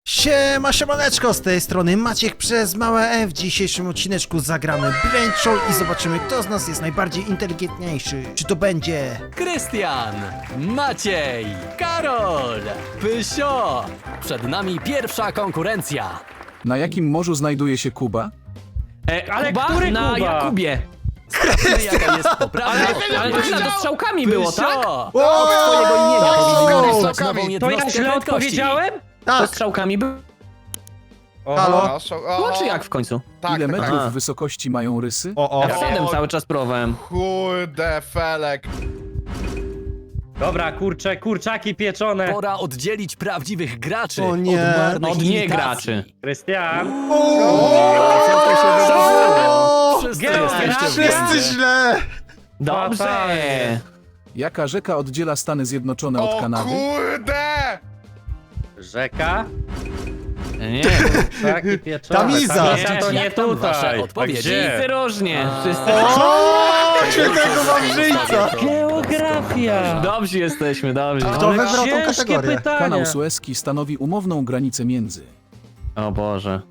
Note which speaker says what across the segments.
Speaker 1: Siemaneczko, z tej strony Maciek przez małe F. W dzisiejszym odcineczku zagramy Brain Show i zobaczymy, kto z nas jest najbardziej inteligentniejszy. Czy to będzie
Speaker 2: Krystian, Maciej, Karol, Pysio. Przed nami pierwsza konkurencja.
Speaker 3: Na jakim morzu znajduje się Kuba?
Speaker 4: Ale
Speaker 2: Kuba
Speaker 4: który
Speaker 2: na
Speaker 4: Kuba?
Speaker 2: Jakubie. Sprawdźmy, jaka jest poprawna
Speaker 4: Ale to źle strzałkami było, tak?
Speaker 2: Pysio, od twojego imienia powinien dostać nową
Speaker 4: To ja
Speaker 2: jednostkę
Speaker 4: źle
Speaker 2: prędkości.
Speaker 4: odpowiedziałem? To
Speaker 1: Tak,
Speaker 4: strzałkami było?
Speaker 1: halo?
Speaker 4: No czy jak w końcu?
Speaker 5: Tak,
Speaker 3: Ile metrów
Speaker 4: A.
Speaker 3: wysokości mają rysy?
Speaker 1: O.
Speaker 4: F7 cały czas próbowałem.
Speaker 5: Kurde, Felek.
Speaker 6: Dobra, kurczaki pieczone.
Speaker 2: Pora oddzielić prawdziwych graczy
Speaker 1: O nie.
Speaker 2: od marnych
Speaker 4: Od nie
Speaker 2: imitacji.
Speaker 4: graczy.
Speaker 6: Krystian.
Speaker 2: Co to się wydarzyło? Wszyscy
Speaker 6: Geografia.
Speaker 2: jesteście w błędzie.
Speaker 1: Wszyscy źle!
Speaker 4: Dobrze.
Speaker 6: Fatalnie.
Speaker 3: Jaka rzeka oddziela Stany Zjednoczone od
Speaker 5: O
Speaker 3: Kanady?
Speaker 5: kurde!
Speaker 6: Rzeka.
Speaker 4: Nie,
Speaker 6: Kurczaki pieczone.
Speaker 1: Tamiza.
Speaker 6: Tamiza to nie
Speaker 2: Jak tam wasze
Speaker 6: tutaj. A
Speaker 2: odpowiedzi?
Speaker 6: gdzie?
Speaker 4: wszyscy różnie. Wszyscy...
Speaker 1: O, świetnego wawrzyńca!
Speaker 6: Geografia.
Speaker 4: Dobrzy jesteśmy, dobrzy.
Speaker 1: Kto
Speaker 6: Ale
Speaker 1: wybrał tą
Speaker 6: ciężkie
Speaker 1: kategorię?
Speaker 6: pytania.
Speaker 3: Kanał Suezki stanowi umowną granicę między.
Speaker 4: O Boże.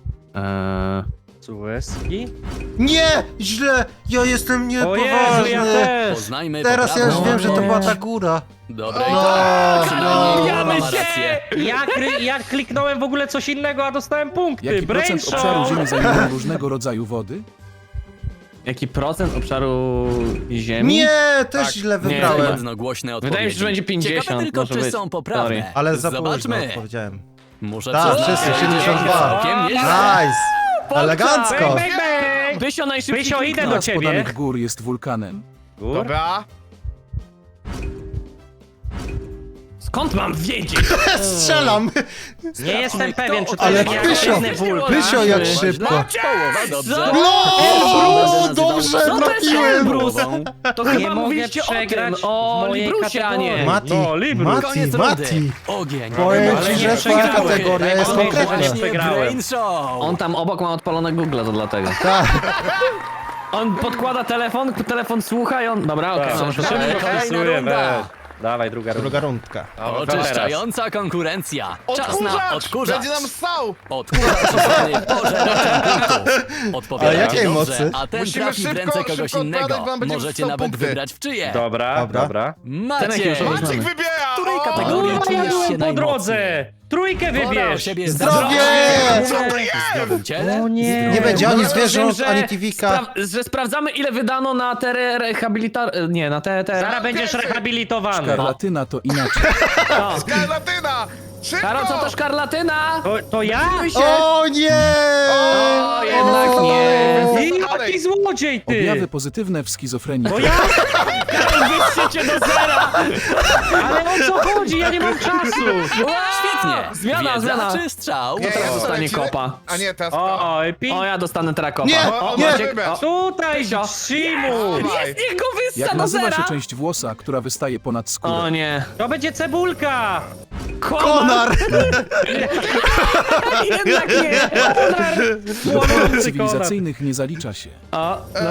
Speaker 6: Suezki?
Speaker 1: Nie! Źle! Ja jestem
Speaker 6: O Jezu,
Speaker 1: niepoważny!
Speaker 6: ja też.
Speaker 2: Poznajmy
Speaker 1: Teraz ja już
Speaker 2: poprawną
Speaker 1: wiem, że to była
Speaker 2: odpowiedź.
Speaker 1: ta góra.
Speaker 2: Dobra, i
Speaker 1: No,
Speaker 2: tak.
Speaker 1: no.
Speaker 2: Kuba ma
Speaker 4: się!
Speaker 2: rację.
Speaker 6: Ja kliknąłem w ogóle coś innego, a dostałem punkty.
Speaker 3: Jaki
Speaker 6: Brain
Speaker 3: procent obszaru
Speaker 6: show.
Speaker 3: Ziemi zajmują różnego rodzaju wody?
Speaker 4: Jaki procent obszaru ziemi?
Speaker 1: Nie! Też
Speaker 5: Tak.
Speaker 1: źle
Speaker 4: Nie,
Speaker 1: wybrałem.
Speaker 2: Jednogłośne odpowiedzi.
Speaker 4: Wydaje mi się, że będzie 50,
Speaker 2: Ciekawe tylko,
Speaker 4: może
Speaker 2: czy
Speaker 4: być.
Speaker 2: są poprawne.
Speaker 4: Sorry.
Speaker 1: Ale za późno
Speaker 2: Zobaczmy.
Speaker 1: odpowiedziałem.
Speaker 2: Muszę
Speaker 1: Tak,
Speaker 2: przyznać,
Speaker 1: wszyscy,
Speaker 2: że
Speaker 1: 72.
Speaker 2: całkiem nieźle.
Speaker 1: Nice! Elegancko!
Speaker 6: Bang, bang, bang.
Speaker 4: Pysio najszybciej
Speaker 6: Pysio, idę
Speaker 3: Która
Speaker 6: do
Speaker 3: z
Speaker 6: ciebie.
Speaker 3: podanych gór jest wulkanem?
Speaker 6: Gór?
Speaker 5: Dobra.
Speaker 4: Skąd mam wiedzieć?
Speaker 1: Strzelam!
Speaker 6: Nie jestem pewien, czy to
Speaker 1: Ale
Speaker 6: jest
Speaker 1: Pysio,
Speaker 6: jakiś wulkan.
Speaker 1: Pysio jak
Speaker 2: Źle.
Speaker 1: szybko!
Speaker 2: Połowa, dobrze.
Speaker 1: No, dobrze,
Speaker 4: Co to jest
Speaker 1: trafiłem!
Speaker 4: Elbrus? To
Speaker 6: Nie
Speaker 4: chyba
Speaker 6: mogę
Speaker 4: mówiliście o tym,
Speaker 6: przegrać
Speaker 4: o
Speaker 6: w mojej
Speaker 4: Librusie, a nie.
Speaker 6: kategorii.
Speaker 1: Mati,
Speaker 6: No, Librus.
Speaker 2: Koniec
Speaker 1: Mati!
Speaker 2: rundy. Ogień.
Speaker 1: Powiem
Speaker 6: Ale
Speaker 1: ci,
Speaker 6: nie
Speaker 1: że twoja
Speaker 6: przegrałem.
Speaker 1: kategoria jest
Speaker 6: Powiem ci, że
Speaker 1: konkretna.
Speaker 6: nie
Speaker 2: Właśnie
Speaker 6: przegrałem.
Speaker 2: Brain Show.
Speaker 4: On tam obok ma odpalone Google, to dlatego.
Speaker 1: Tak.
Speaker 4: On podkłada telefon słucha i on... Dobra, okej,
Speaker 6: Tak,
Speaker 4: możesz
Speaker 6: szybko
Speaker 4: dalej.
Speaker 2: kolejna
Speaker 6: wpisuję,
Speaker 2: runda.
Speaker 6: weź. Dawaj, druga runda.
Speaker 1: Druga rundka.
Speaker 2: Oczyszczająca konkurencja. Czas na
Speaker 5: Odkurzacz!
Speaker 2: odkurzacz.
Speaker 5: Będzie nam stał!
Speaker 2: Odkurzacz zwany pożeraczem punktów.
Speaker 1: Ale
Speaker 2: Odpowiada
Speaker 1: jakiej
Speaker 2: dobrze,
Speaker 1: mocy?
Speaker 2: a ten
Speaker 5: Musimy
Speaker 2: trafi w
Speaker 5: szybko-
Speaker 2: ręce kogoś
Speaker 5: szybko
Speaker 2: innego.
Speaker 5: odpowiadać, bo będziemy
Speaker 2: Możecie
Speaker 5: wstał
Speaker 2: nawet
Speaker 5: punkty.
Speaker 2: wybrać w czyje.
Speaker 6: Dobra,
Speaker 1: Dobra.
Speaker 6: dobra.
Speaker 2: Maciej,
Speaker 4: już
Speaker 5: Maciek
Speaker 4: Znamy.
Speaker 5: wybiera!
Speaker 2: w której
Speaker 5: O!
Speaker 2: kategorii
Speaker 6: Ja
Speaker 2: czujesz się
Speaker 6: byłem po
Speaker 2: najmocniej?
Speaker 6: drodze. Trójkę
Speaker 2: Pora o
Speaker 6: wybierz.
Speaker 2: siebie
Speaker 1: Zdrowie!
Speaker 5: Co to
Speaker 2: W
Speaker 5: jest?
Speaker 2: zdrowym ciele?
Speaker 6: O nie.
Speaker 1: Nie będzie ani
Speaker 4: No,
Speaker 1: zwierząt,
Speaker 4: że
Speaker 1: ani TV'ka.
Speaker 4: że sprawdzamy, ile wydano na te Nie, na te...
Speaker 6: Zaraz będziesz rehabilitowany.
Speaker 3: Szkarlatyna to inaczej.
Speaker 5: Skarlatyna! Szybko!
Speaker 4: Karo, co to szkarlatyna?
Speaker 6: To ja?
Speaker 1: O nie!
Speaker 4: O, jednak nie.
Speaker 6: Jaki złodziej ty!
Speaker 3: Objawy pozytywne w schizofrenii.
Speaker 6: To ja?
Speaker 4: Wyższe cię do zera!
Speaker 6: Ale o co chodzi? Ja nie mam czasu!
Speaker 2: Świetnie.
Speaker 4: Zmiana,
Speaker 2: Wiedza
Speaker 4: zmiana.
Speaker 2: czy strzał?
Speaker 5: Nie, ja
Speaker 4: dostanie
Speaker 5: dostanę ci-
Speaker 4: kopa.
Speaker 5: A nie, teraz...
Speaker 6: O, pi...
Speaker 4: O, ja dostanę teraz kopa.
Speaker 1: Nie,
Speaker 5: O,
Speaker 1: nie.
Speaker 5: Maciek, wybrać.
Speaker 6: Tutaj,
Speaker 4: Pysio.
Speaker 6: Shimu!
Speaker 5: Dawaj.
Speaker 4: Niech go wyssa
Speaker 3: Jak
Speaker 4: do
Speaker 3: nazywa
Speaker 4: zera!
Speaker 3: się część włosa, która wystaje ponad
Speaker 4: O
Speaker 3: skórę?
Speaker 4: nie.
Speaker 6: To będzie cebulka!
Speaker 1: Konar!
Speaker 4: Jednak nie.
Speaker 6: Płonący konar.
Speaker 3: Cywilizacyjnych nie zalicza się.
Speaker 4: O, no,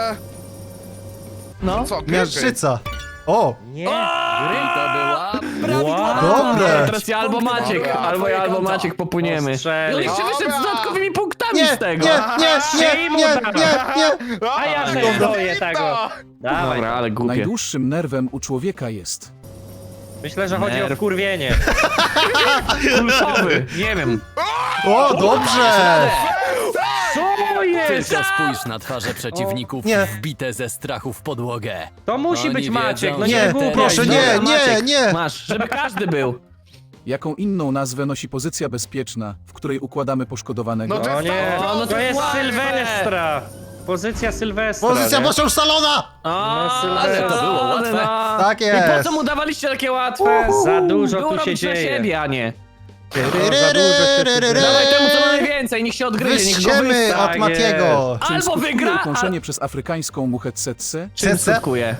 Speaker 4: no.
Speaker 5: Co,
Speaker 1: Miażdżyca! O!
Speaker 6: Nie.
Speaker 2: I to była prawidłowa
Speaker 1: Dobre.
Speaker 2: odpowiedź.
Speaker 4: Teraz ja albo
Speaker 2: Punkty
Speaker 4: Maciek,
Speaker 2: na
Speaker 4: albo
Speaker 2: twoje
Speaker 4: ja, albo
Speaker 2: konto.
Speaker 4: Maciek popłyniemy. No
Speaker 6: Strzeli.
Speaker 4: jeszcze wyszedł z
Speaker 5: Dobra.
Speaker 4: dodatkowymi punktami
Speaker 1: Nie,
Speaker 4: z tego.
Speaker 1: nie, nie!
Speaker 6: A ja przestoję tego. Dawaj.
Speaker 4: Dobra, ale głupie.
Speaker 3: Najdłuższym nerwem u człowieka jest.
Speaker 6: Myślę, że chodzi o
Speaker 4: Nerw.
Speaker 6: wkurwienie.
Speaker 4: Pulsowy, nie wiem.
Speaker 1: O, dobrze!
Speaker 6: Co jest?
Speaker 2: Tylko spójrz na twarze przeciwników
Speaker 1: Nie.
Speaker 2: wbite ze strachu w podłogę.
Speaker 6: To musi
Speaker 2: Oni
Speaker 6: być Maciek,
Speaker 2: wiedzą,
Speaker 6: no
Speaker 2: że
Speaker 6: nie
Speaker 1: Nie,
Speaker 6: głupiaj.
Speaker 1: proszę, nie,
Speaker 4: Dobra,
Speaker 1: nie,
Speaker 4: Maciek,
Speaker 1: nie!
Speaker 4: Masz, żeby każdy był.
Speaker 3: Jaką inną nazwę nosi pozycja bezpieczna, w której układamy poszkodowanego?
Speaker 5: No to
Speaker 6: O nie,
Speaker 4: no to
Speaker 6: to jest
Speaker 4: łatwe.
Speaker 6: Sylwestra. Pozycja Sylwestra.
Speaker 1: Pozycja
Speaker 6: nie?
Speaker 1: proszę salona!
Speaker 4: O,
Speaker 6: ale
Speaker 2: to było łatwe.
Speaker 4: No.
Speaker 1: Tak
Speaker 4: I po
Speaker 1: jest!
Speaker 4: co mu dawaliście takie łatwe?
Speaker 6: Za dużo
Speaker 4: Było
Speaker 6: tu się
Speaker 4: robić dla
Speaker 6: dzieje.
Speaker 4: siebie, a nie.
Speaker 6: Za dużo się tu dzieje.
Speaker 4: Dawaj temu, co ma najwięcej, niech się odgryzie, niech go
Speaker 1: Wyściemy
Speaker 4: wyssa.
Speaker 1: od Matiego!
Speaker 3: Czym
Speaker 4: Albo
Speaker 3: skutkuje
Speaker 4: wygra,
Speaker 3: ukąszenie przez afrykańską muchę tsetse?
Speaker 4: Czym
Speaker 1: Cece?
Speaker 4: skutkuje?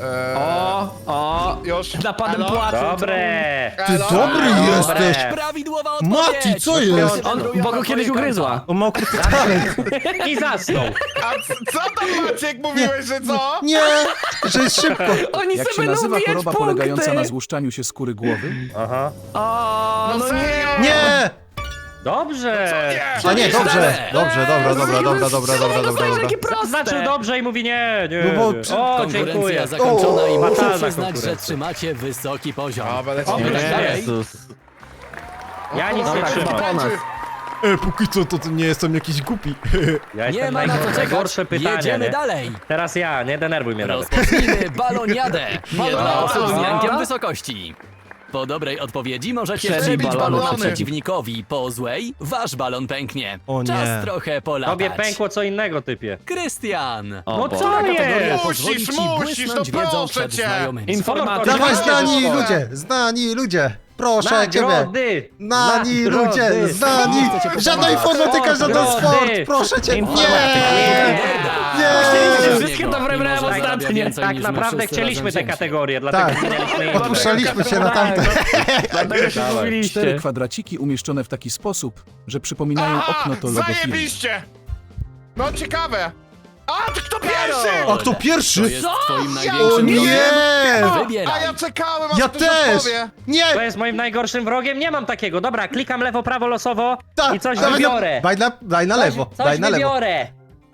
Speaker 4: O,
Speaker 5: Już.
Speaker 4: napadem
Speaker 5: Elo?
Speaker 4: płaczu.
Speaker 6: Dobre.
Speaker 1: Ty
Speaker 5: Elo?
Speaker 1: dobry
Speaker 6: Dobre.
Speaker 1: jesteś!
Speaker 2: Prawidłowa odpowiedź!
Speaker 1: Mati, co jest?
Speaker 4: On, bo go kiedyś ugryzła.
Speaker 1: O, mokry talent!
Speaker 6: I zasnął.
Speaker 5: A co tam, Maciek, mówiłeś, że co?
Speaker 1: Nie! Że jest szybko!
Speaker 4: Oni
Speaker 3: Jak
Speaker 4: sobie
Speaker 3: się
Speaker 4: będą
Speaker 3: nazywa
Speaker 4: wbijać
Speaker 3: choroba
Speaker 4: punkty.
Speaker 3: polegająca na złuszczaniu się skóry głowy?
Speaker 6: Aha.
Speaker 4: O, no nie.
Speaker 5: serio?
Speaker 1: Nie!
Speaker 6: Dobrze.
Speaker 5: Nie!
Speaker 1: A nie, dobrze, dobra.
Speaker 4: Takie proste.
Speaker 6: Zaznaczył dobrze i mówi nie.
Speaker 1: No bo-
Speaker 6: O,
Speaker 2: Konkurencja
Speaker 6: dziękuję.
Speaker 2: zakończona i muszę
Speaker 6: Fatalna
Speaker 2: przyznać, że
Speaker 6: konkurencja.
Speaker 2: trzymacie wysoki poziom.
Speaker 5: Dobra,
Speaker 2: Oby
Speaker 5: lecimy.
Speaker 2: tak dalej.
Speaker 4: Jezus.
Speaker 6: Ja nic nie
Speaker 4: Dobra,
Speaker 6: trzymam.
Speaker 4: chyba po nas.
Speaker 1: Póki co to nie jestem jakiś głupi.
Speaker 6: Ja
Speaker 2: Nie
Speaker 6: jestem
Speaker 2: ma na to czekać.
Speaker 6: najgorsze pytanie,
Speaker 2: Jedziemy
Speaker 6: nie?
Speaker 2: dalej.
Speaker 6: Teraz ja, nie denerwuj mnie nawet.
Speaker 2: Rozpocznijmy baloniadę. Nie dla osób z
Speaker 4: Baloniada?
Speaker 2: lękiem wysokości. Po dobrej odpowiedzi możecie
Speaker 4: Przebić
Speaker 2: przebić balona
Speaker 5: balony.
Speaker 2: przeciwnikowi. Po złej wasz balon pęknie.
Speaker 1: O nie.
Speaker 2: Czas trochę polatać.
Speaker 6: Tobie pękło co innego, typie.
Speaker 2: Krystian.
Speaker 4: O
Speaker 6: No
Speaker 4: Boże.
Speaker 6: co
Speaker 2: Kategoria
Speaker 6: jest?
Speaker 2: pozwoli ci
Speaker 5: Musisz,
Speaker 2: błysnąć
Speaker 5: no
Speaker 2: wiedzą
Speaker 5: proszę
Speaker 2: przed
Speaker 5: cię.
Speaker 2: znajomymi.
Speaker 4: Informatyka.
Speaker 1: Dawaj,
Speaker 6: Dawaj,
Speaker 1: znani
Speaker 5: dawaj.
Speaker 1: ludzie, znani ludzie. Proszę ciebie.
Speaker 6: Nagrody!
Speaker 1: Znani
Speaker 6: Nagrody!
Speaker 1: ludzie, znani. Żadna informatyka, żaden
Speaker 6: Nagrody!
Speaker 1: sport. Proszę cię. Nie.
Speaker 4: Chcieliście
Speaker 1: Nie.
Speaker 4: wszystkie dobre brałem
Speaker 2: Mimo, że zarabia
Speaker 4: ostatnie.
Speaker 2: więcej
Speaker 6: Tak
Speaker 2: niż my
Speaker 6: naprawdę
Speaker 2: wszyscy
Speaker 6: chcieliśmy
Speaker 2: razem
Speaker 6: te
Speaker 2: wzięci.
Speaker 6: kategorie, dlatego
Speaker 1: Tak.
Speaker 6: zmienialiśmy je.
Speaker 1: Poruszaliśmy się na tamte.
Speaker 4: Dlatego się
Speaker 6: Dawaj.
Speaker 4: mówiliście.
Speaker 3: 4 kwadraciki umieszczone w taki sposób, że przypominają okno to logo firmy.
Speaker 5: Zajebiście! No ciekawe. A, to kto pierwszy?
Speaker 1: A kto
Speaker 2: To
Speaker 1: pierwszy?
Speaker 2: jest twoim
Speaker 1: O
Speaker 2: największym wrogiem.
Speaker 1: nie!
Speaker 5: A
Speaker 2: Wybieraj.
Speaker 5: ja czekałem, aż
Speaker 1: Ja
Speaker 5: ktoś
Speaker 1: też!
Speaker 5: odpowie.
Speaker 6: To
Speaker 1: Nie!
Speaker 6: jest moim najgorszym wrogiem? Nie mam takiego. Dobra, klikam lewo, prawo losowo
Speaker 1: Tak,
Speaker 6: i coś
Speaker 1: dawaj na-
Speaker 6: wybiorę.
Speaker 1: Daj na lewo,
Speaker 6: Coś
Speaker 1: daj na lewo.
Speaker 6: wybiorę.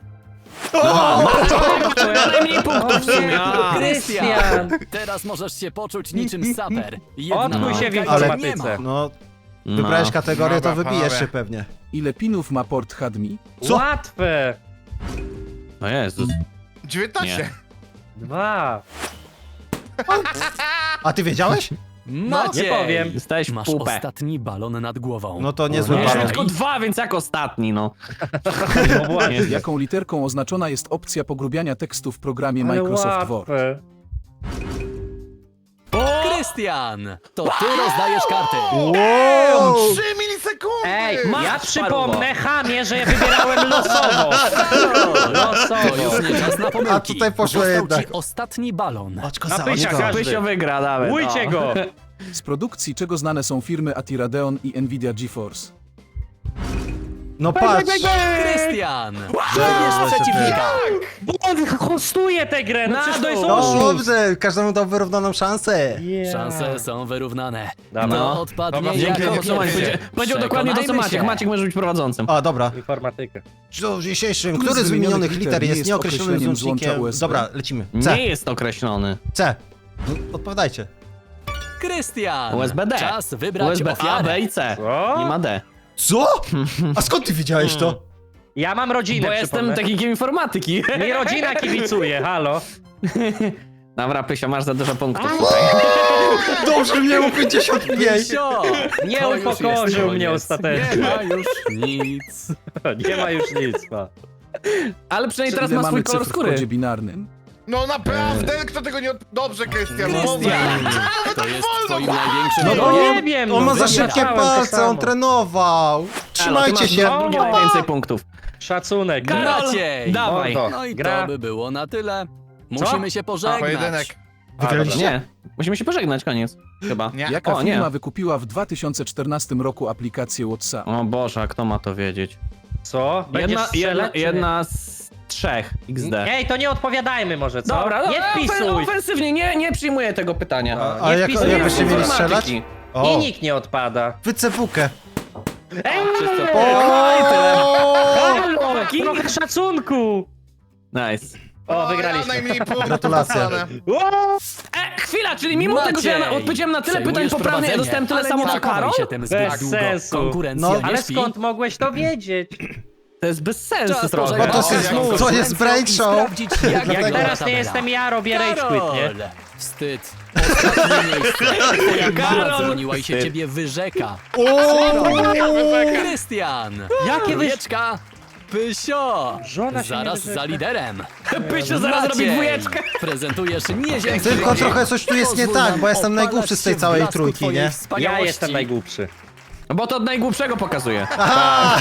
Speaker 4: Najmniej punktów w sumie. A.
Speaker 6: Krystian!
Speaker 2: Teraz możesz się poczuć niczym saper.
Speaker 6: Odkuj się w
Speaker 2: Jedna
Speaker 1: Ale-
Speaker 2: walka i nie
Speaker 6: informatyce.
Speaker 2: ma.
Speaker 1: No, wybrałeś kategorię, to
Speaker 5: Dobra,
Speaker 1: wybijesz
Speaker 5: panowie.
Speaker 1: się pewnie.
Speaker 3: Ile pinów ma port HDMI?
Speaker 1: Co?
Speaker 6: Łatwe.
Speaker 4: No Jezus.
Speaker 5: 19.
Speaker 4: Nie.
Speaker 6: 2.
Speaker 1: A ty wiedziałeś?
Speaker 2: Maciej,
Speaker 6: Nie powiem.
Speaker 4: Jesteś w
Speaker 2: masz
Speaker 4: pupę.
Speaker 2: ostatni balon nad głową.
Speaker 1: No to niezły
Speaker 4: Nie,
Speaker 1: balon.
Speaker 4: tylko 2, więc jak ostatni, no.
Speaker 3: Jaką literką oznaczona jest opcja pogrubiania tekstu w programie Microsoft Word?
Speaker 6: łatwe.
Speaker 2: Krystian, to ty rozdajesz karty.
Speaker 1: Wow!
Speaker 5: 3 milisekundy!
Speaker 6: Ej,
Speaker 4: Masz,
Speaker 6: ja przypomnę chamie, że ja wybierałem losowo.
Speaker 2: To już nie czas na pomyłki.
Speaker 1: A tutaj poszło
Speaker 2: Został
Speaker 1: jednak.
Speaker 2: ci ostatni balon.
Speaker 1: Oczko
Speaker 6: Na
Speaker 1: za
Speaker 6: pysia
Speaker 1: oczko.
Speaker 6: każdy.
Speaker 4: Pysio wygra nawet.
Speaker 6: Bójcie
Speaker 4: o.
Speaker 6: go.
Speaker 3: Z produkcji czego znane są firmy ATI Radeon i Nvidia GeForce?
Speaker 1: No patrz.
Speaker 2: Krystian, wybierz przeciwnika.
Speaker 6: Bo on hostuje tę grę, no przecież to jest
Speaker 1: No
Speaker 6: oszust.
Speaker 1: dobrze, każdemu dał wyrównaną szansę.
Speaker 2: Szanse są wyrównane.
Speaker 6: Dobra.
Speaker 2: No,
Speaker 5: Dobra,
Speaker 2: odpadnie
Speaker 5: dzięki,
Speaker 2: jako
Speaker 5: dziękuję.
Speaker 2: pierwszy.
Speaker 4: Powiedział dokładnie to, co
Speaker 2: Przekonajmy
Speaker 4: Maciek.
Speaker 2: się.
Speaker 4: Maciek może być prowadzącym.
Speaker 1: A, dobra.
Speaker 6: Informatykę.
Speaker 1: W dzisiejszym,
Speaker 3: Który
Speaker 1: który
Speaker 3: z
Speaker 1: z wymienionych
Speaker 3: wymienionych
Speaker 1: liter jest nieokreślonym
Speaker 3: określeniem złącza
Speaker 1: złącznikiem?
Speaker 3: USB?
Speaker 1: Dobra, lecimy. C.
Speaker 4: Nie jest określony.
Speaker 1: C. No, odpowiadajcie.
Speaker 2: Krystian,
Speaker 4: USB-D.
Speaker 2: czas wybrać
Speaker 4: USB A,
Speaker 2: ofiarę.
Speaker 4: B i C.
Speaker 6: Co?
Speaker 4: Nie ma D.
Speaker 1: Co? A skąd ty wiedziałeś to?
Speaker 6: Ja mam rodzinę,
Speaker 4: Bo jestem
Speaker 6: przypomnę.
Speaker 4: technikiem informatyki.
Speaker 6: Mi rodzina kibicuje, halo.
Speaker 4: Dobra, Pysio, masz za dużo punktów.
Speaker 1: Dobrze, miał 55.
Speaker 2: Pysio,
Speaker 6: Nie
Speaker 2: to już
Speaker 6: upokorzył
Speaker 2: jest
Speaker 6: mnie
Speaker 2: koniec.
Speaker 6: ostatecznie.
Speaker 2: Nie ma już nic.
Speaker 6: Nie ma już nic, no.
Speaker 4: Ale przynajmniej teraz
Speaker 3: Ile
Speaker 4: ma swój
Speaker 3: mamy
Speaker 4: kolor
Speaker 3: cyfr w kodzie
Speaker 4: skóry.
Speaker 3: binarnym?
Speaker 5: No naprawdę, kto tego nie... Dobrze, Krystian,
Speaker 2: Krystian, to jest twoim największym
Speaker 1: No,
Speaker 2: wrogiem.
Speaker 6: nie wiem,
Speaker 1: On ma
Speaker 6: no,
Speaker 1: za szybkie
Speaker 6: wygrałem to
Speaker 1: palce,
Speaker 6: samo.
Speaker 1: on trenował. Trzymajcie się.
Speaker 4: Drugie najwięcej punktów.
Speaker 6: Szacunek.
Speaker 2: Maciej.
Speaker 4: Dawaj.
Speaker 6: Mordo.
Speaker 2: No i
Speaker 6: Gra.
Speaker 2: to by było na tyle. Musimy się pożegnać.
Speaker 5: Pojedynek.
Speaker 1: Wygraliście?
Speaker 4: Nie. Musimy się pożegnać, koniec. Chyba.
Speaker 5: Nie.
Speaker 3: Jaka
Speaker 4: O, nie.
Speaker 3: firma wykupiła w 2014 roku aplikację WhatsApp?
Speaker 4: O Boże, a kto ma to wiedzieć?
Speaker 6: Co? Będziesz strzelać, czy nie?
Speaker 4: Jedna z 3 XD.
Speaker 6: Ej, to nie odpowiadajmy może, co?
Speaker 4: Dobra,
Speaker 6: nie wpisuj.
Speaker 4: Ofensywnie, nie przyjmuję tego pytania.
Speaker 1: Ale jak,
Speaker 6: wpisuj,
Speaker 1: jak byście mieli strzelać?
Speaker 6: I
Speaker 1: O,
Speaker 6: nikt nie odpada.
Speaker 1: wycewukę.
Speaker 6: Ej,
Speaker 1: O!
Speaker 6: trochę szacunku.
Speaker 4: Nice.
Speaker 6: O,
Speaker 5: Ja
Speaker 6: wygraliśmy.
Speaker 5: najmniej punktów
Speaker 1: Gratulacje.
Speaker 5: dostanę.
Speaker 4: Chwila, czyli mimo
Speaker 2: Maciej,
Speaker 4: tego, że ja odpowiedziałem na tyle pytań
Speaker 2: przejmujesz
Speaker 4: poprawnie, ja
Speaker 2: prowadzenie,
Speaker 4: dostałem tyle
Speaker 2: ale
Speaker 4: samo
Speaker 2: nie
Speaker 4: co
Speaker 2: nakładaj
Speaker 4: Karol?
Speaker 2: się tym zbyt
Speaker 6: Bez
Speaker 2: długo.
Speaker 6: sensu.
Speaker 2: Konkurencja
Speaker 1: No,
Speaker 2: nie
Speaker 6: Ale
Speaker 2: śpi.
Speaker 6: skąd mogłeś to wiedzieć?
Speaker 4: To jest bez sensu
Speaker 2: Czas
Speaker 4: trochę.
Speaker 2: pożegnać
Speaker 1: Bo to jest-
Speaker 2: się z
Speaker 1: to jest
Speaker 2: konkurencją
Speaker 1: break
Speaker 2: i
Speaker 1: show.
Speaker 2: sprawdzić, jak
Speaker 6: Jak
Speaker 2: wygląda
Speaker 6: teraz nie
Speaker 2: tabela.
Speaker 6: jestem ja, robię rage quit, nie?
Speaker 2: Karol, wstyd. Ostatnie miejsce. Twoja mama
Speaker 4: Karol,
Speaker 2: dzwoniła i się
Speaker 4: wstyd.
Speaker 2: ciebie wyrzeka.
Speaker 1: O!
Speaker 2: Krystian.
Speaker 6: Jakie
Speaker 2: Wieczka. Pysio.
Speaker 6: Żona się
Speaker 2: Zaraz
Speaker 6: nie
Speaker 2: za liderem.
Speaker 4: Pysio zaraz robi
Speaker 2: Maciej,
Speaker 4: dwójeczkę.
Speaker 2: Prezentujesz nieziemski
Speaker 1: Tylko
Speaker 2: wynik.
Speaker 1: trochę coś tu jest nie
Speaker 2: Pozwól
Speaker 1: tak,
Speaker 2: nam
Speaker 1: bo jestem
Speaker 2: opalać
Speaker 1: najgłupszy z tej
Speaker 2: się w
Speaker 1: całej
Speaker 2: blasku
Speaker 1: trójki,
Speaker 2: twojej
Speaker 1: nie?
Speaker 6: Ja
Speaker 2: wspaniałości.
Speaker 6: jestem najgłupszy.
Speaker 4: Bo to od najgłupszego pokazuje.
Speaker 6: A,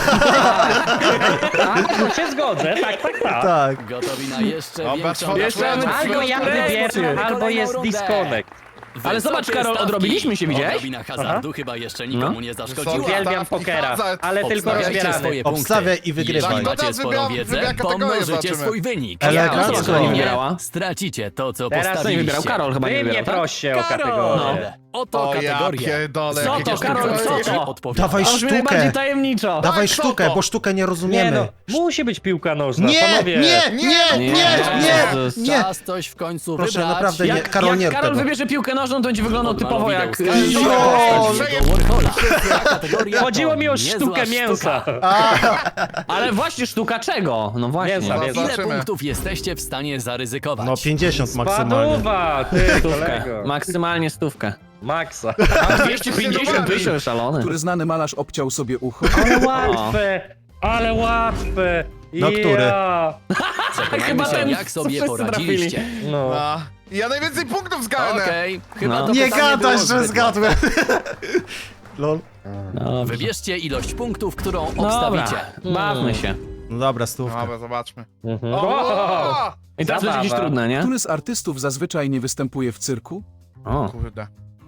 Speaker 6: to się zgodzę, tak.
Speaker 1: Tak.
Speaker 2: Gotowi na jeszcze
Speaker 5: Dobra,
Speaker 2: większą
Speaker 5: twoja-
Speaker 2: niespodziankę?
Speaker 6: Albo ja wybieram,
Speaker 2: Kolejną
Speaker 6: albo jest
Speaker 2: rundę.
Speaker 6: disconnect.
Speaker 4: Ale zobacz,
Speaker 2: Wysokie
Speaker 4: Karol,
Speaker 2: stawki.
Speaker 4: odrobiliśmy się, widziałeś?
Speaker 2: Odrobina hazardu chyba jeszcze nikomu nie zaszkodziła.
Speaker 5: Wysokie
Speaker 6: Uwielbiam
Speaker 5: stawki,
Speaker 6: pokera,
Speaker 5: hazard.
Speaker 6: ale tylko
Speaker 2: Obstawiajcie
Speaker 6: rozbierany.
Speaker 2: swoje punkty.
Speaker 1: Obstawiaj i wygrywaj.
Speaker 2: Jeśli
Speaker 5: Tak,
Speaker 2: macie
Speaker 5: to
Speaker 2: swoją
Speaker 5: wybieram
Speaker 2: wiedzę,
Speaker 5: kategorię,
Speaker 2: pomnożycie
Speaker 5: zobaczymy.
Speaker 2: swój wynik.
Speaker 1: Elegancko.
Speaker 2: Jeżeli
Speaker 4: Nie
Speaker 2: nie,
Speaker 4: wygrała.
Speaker 2: stracicie to, co
Speaker 4: Teraz to nie
Speaker 2: postawiliście.
Speaker 4: wybierał Karol, chyba nie
Speaker 6: Wy mnie
Speaker 4: wybierał, tak?
Speaker 6: proście o
Speaker 2: Karol,
Speaker 6: kategorię.
Speaker 2: Oto
Speaker 5: O ja
Speaker 2: kategorie.
Speaker 5: pierdolę,
Speaker 4: Co
Speaker 5: jakie
Speaker 4: to, Karol,
Speaker 5: kategorie.
Speaker 4: co to?
Speaker 2: Odpowiada.
Speaker 1: Dawaj
Speaker 4: To brzmi najbardziej
Speaker 1: sztukę.
Speaker 4: tajemniczo.
Speaker 1: Dawaj
Speaker 5: co
Speaker 1: sztukę,
Speaker 5: to?
Speaker 1: bo sztukę nie
Speaker 6: Nie
Speaker 1: rozumiemy.
Speaker 6: no, musi być piłka nożna,
Speaker 1: Nie,
Speaker 6: panowie.
Speaker 4: Jezus.
Speaker 1: nie.
Speaker 2: Czas coś w końcu
Speaker 1: Proszę,
Speaker 2: wybrać.
Speaker 1: naprawdę nie.
Speaker 4: Jak
Speaker 1: Karol, nie
Speaker 4: jak
Speaker 1: rób
Speaker 4: Karol
Speaker 1: tego.
Speaker 4: wybierze piłkę nożną, to będzie wyglądał
Speaker 2: Odmalu
Speaker 4: typowo
Speaker 2: wideo
Speaker 4: jak...
Speaker 2: wskaże
Speaker 1: Jo!
Speaker 2: postać jego Warhola. Kategoria to
Speaker 6: Chodziło mi o
Speaker 2: niezła
Speaker 6: sztukę
Speaker 2: sztuka.
Speaker 6: mięsa.
Speaker 4: Ale właśnie sztuka czego? No właśnie.
Speaker 6: Mięsa, mięsa.
Speaker 2: Ile
Speaker 5: Zobaczymy.
Speaker 2: punktów jesteście w stanie zaryzykować?
Speaker 1: No 50 maksymalnie.
Speaker 6: Paduwa, ty
Speaker 4: Stówkę.
Speaker 6: kolego.
Speaker 4: Maksymalnie stówkę.
Speaker 6: Maksa.
Speaker 4: 250 tysięcy, szalony.
Speaker 3: Który znany malarz obciął sobie ucho?
Speaker 6: Ale łatwe.
Speaker 1: No, który?
Speaker 6: Ja.
Speaker 2: Przekonajmy
Speaker 4: Chyba
Speaker 2: się,
Speaker 4: ten,
Speaker 2: jak
Speaker 4: co
Speaker 2: sobie
Speaker 4: wszyscy
Speaker 2: poradziliście.
Speaker 6: No.
Speaker 5: A, ja najwięcej punktów zgarnę.
Speaker 2: Okej, chyba
Speaker 4: No.
Speaker 2: to
Speaker 1: Nie
Speaker 2: pytanie
Speaker 1: gadasz,
Speaker 2: było
Speaker 1: że
Speaker 2: zbyt
Speaker 1: zgadłem. Lol.
Speaker 4: Dobrze.
Speaker 2: Wybierzcie ilość punktów, którą
Speaker 4: Dobra,
Speaker 2: obstawicie.
Speaker 4: bawmy się.
Speaker 1: No dobra, stówka.
Speaker 5: Dobra, zobaczmy.
Speaker 6: Mhm.
Speaker 5: O!
Speaker 4: I teraz będzie
Speaker 6: Zabawa.
Speaker 4: jakieś trudne, nie?
Speaker 3: Który z artystów zazwyczaj nie występuje w cyrku?
Speaker 4: O,
Speaker 5: Kurde.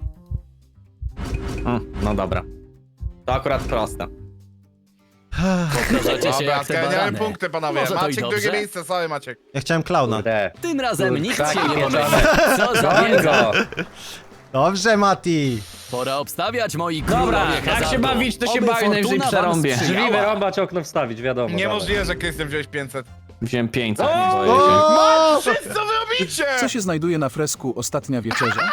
Speaker 4: no dobra. To akurat proste.
Speaker 2: Powtarzacie się
Speaker 5: Dobra,
Speaker 2: jak te
Speaker 5: zgarniamy
Speaker 2: barany.
Speaker 5: punkty, panowie.
Speaker 2: Może to i
Speaker 5: Maciek
Speaker 2: dobrze.
Speaker 5: drugie miejsce, sorry Maciek.
Speaker 1: Ja chciałem klauna.
Speaker 6: Kurde.
Speaker 2: Tym razem nikt
Speaker 6: Kurczaki
Speaker 2: się nie
Speaker 6: pieczone.
Speaker 2: pomyli. Co za
Speaker 6: Goń
Speaker 2: wiedza.
Speaker 6: go.
Speaker 1: Dobrze, Mati.
Speaker 2: Pora obstawiać, moi
Speaker 4: Dobra,
Speaker 2: królowie
Speaker 4: jak
Speaker 2: hazardu.
Speaker 4: się bawić, to się
Speaker 2: Oby
Speaker 4: bawi, najwyżej
Speaker 2: fortuna wam
Speaker 4: przerąbię.
Speaker 2: sprzyjała.
Speaker 6: Drzwi wyrąbać, okno wstawić, wiadomo.
Speaker 5: Niemożliwe, że Krystian wziąłeś 500.
Speaker 4: Wziąłem 500,
Speaker 6: O!
Speaker 4: boję się.
Speaker 5: Wszyscy, co wy robicie?
Speaker 3: Co się znajduje na fresku Ostatnia Wieczerza?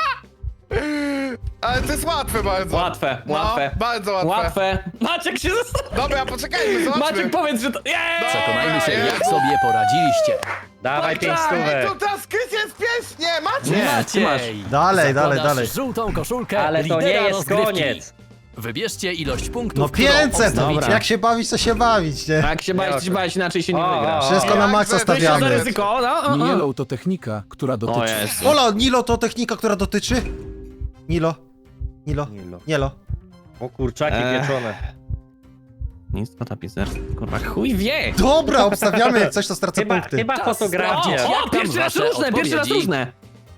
Speaker 5: Ale to jest łatwe bardzo.
Speaker 4: Łatwe,
Speaker 5: No,
Speaker 4: łatwe.
Speaker 5: bardzo łatwe.
Speaker 4: Łatwe. Maciek się zastanawia.
Speaker 5: Dobra, poczekajmy, zobaczmy.
Speaker 4: Maciek, powiedz, że to...
Speaker 2: Przekonajmy się,
Speaker 5: Dobra,
Speaker 2: jak
Speaker 5: jest.
Speaker 2: sobie poradziliście.
Speaker 6: Dawaj 5
Speaker 5: Ej,
Speaker 6: stówek.
Speaker 5: to teraz Krystian jest pies! Nie, Maciek!
Speaker 4: Nie, ty masz.
Speaker 2: Maciej,
Speaker 1: Dalej, dalej,
Speaker 2: zakładasz
Speaker 1: dalej.
Speaker 2: żółtą koszulkę
Speaker 6: Ale to nie
Speaker 2: lidera
Speaker 6: jest
Speaker 2: rozgrywki.
Speaker 6: koniec.
Speaker 2: Wybierzcie ilość punktów,
Speaker 1: No
Speaker 2: którą
Speaker 1: 500!
Speaker 2: obstawicie.
Speaker 1: Jak się bawić, to się bawić, nie?
Speaker 4: Jak się bawić, to się bawić, inaczej się nie
Speaker 6: O,
Speaker 4: wygra.
Speaker 6: o,
Speaker 1: Wszystko na
Speaker 5: Jak
Speaker 1: maksa
Speaker 5: za-
Speaker 4: To jest za
Speaker 1: stawiamy.
Speaker 4: ryzyko, no.
Speaker 3: Yellow to technika, która
Speaker 4: O
Speaker 3: dotyczy...
Speaker 4: jest.
Speaker 1: Ola, Nilo to technika, która dotyczy? Nilo. Nilo. Nielo.
Speaker 6: O kurczaki pieczone.
Speaker 4: Nic to tapicerstwo, kurwa, chuj wie.
Speaker 1: Dobra, obstawiamy, jak coś to stracę punkty.
Speaker 6: Chyba
Speaker 2: Czas
Speaker 6: fotografia.
Speaker 2: sprawdzić.
Speaker 4: O,
Speaker 2: Jak tam
Speaker 4: pierwszy raz
Speaker 2: wasze
Speaker 4: różne, pierwszy raz
Speaker 2: odpowiedzi?
Speaker 4: różne.